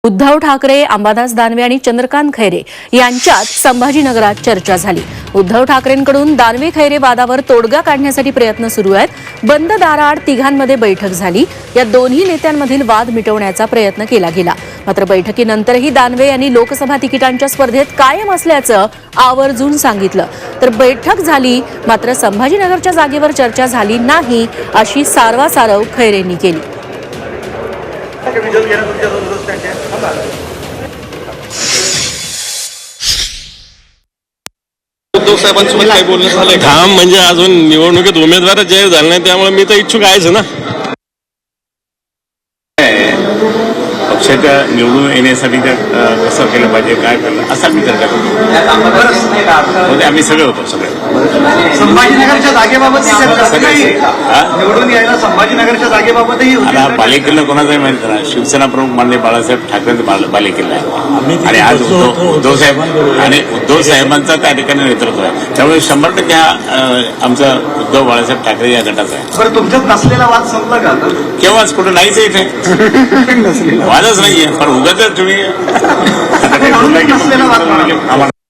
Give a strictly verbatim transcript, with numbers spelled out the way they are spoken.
उद्धव ठाकरे, अंबादास दानवे आणि चंद्रकांत खैरे यांच्यात संभाजीनगरात चर्चा झाली। उद्धव ठाकरेंकडून दानवे खैरे वादावर तोडगा काढण्यासाठी प्रयत्न सुरू आहेत। बंद दाराआड तिघांमध्ये बैठक झाली। या दोन्ही नेत्यांमधील वाद मिटवण्याचा प्रयत्न केला गेला। मात्र बैठकीनंतरही दानवे यांनी लोकसभा तिकिटांच्या स्पर्धेत कायम असल्याचं आवर्जून सांगितलं। तर बैठक झाली, मात्र संभाजीनगरच्या जागेवर चर्चा झाली नाही, अशी सारवासारव खैरेंनी केली। उद्धव साहेबांसोबत काही बोलणं झालंय? काम म्हणजे अजून निवडणुकीत उमेदवार जाहीर झाले नाही, त्यामुळे मी तर इच्छुक आहेच ना। पक्षाच्या निवडून येण्यासाठी कसं केलं पाहिजे, काय केलं असा विचार करतो। आम्ही सगळे होतो सगळे संभाजीनगरच्या जागेबाबत निवडून यायला संभाजीनगरच्या जागेबाबतही आता बालेकिल्ला कोणाचाही माहिती करा, शिवसेना प्रमुख माननीय बाळासाहेब ठाकरेंचा बालेकिल्ला आहे आणि आज उद्धव उद्धव साहेब आणि उद्धव साहेबांचा त्या ठिकाणी नेतृत्व आहे। त्यामुळे शंभर टक्के हा आमचा उद्धव बाळासाहेब ठाकरे या गटाचा आहे। बरं, तुमच्यात नसलेला वाद संपला का? केव्हाच कुठं नाहीच इथे वादच नाहीये, पण उगाच तुम्ही नसलेला वाद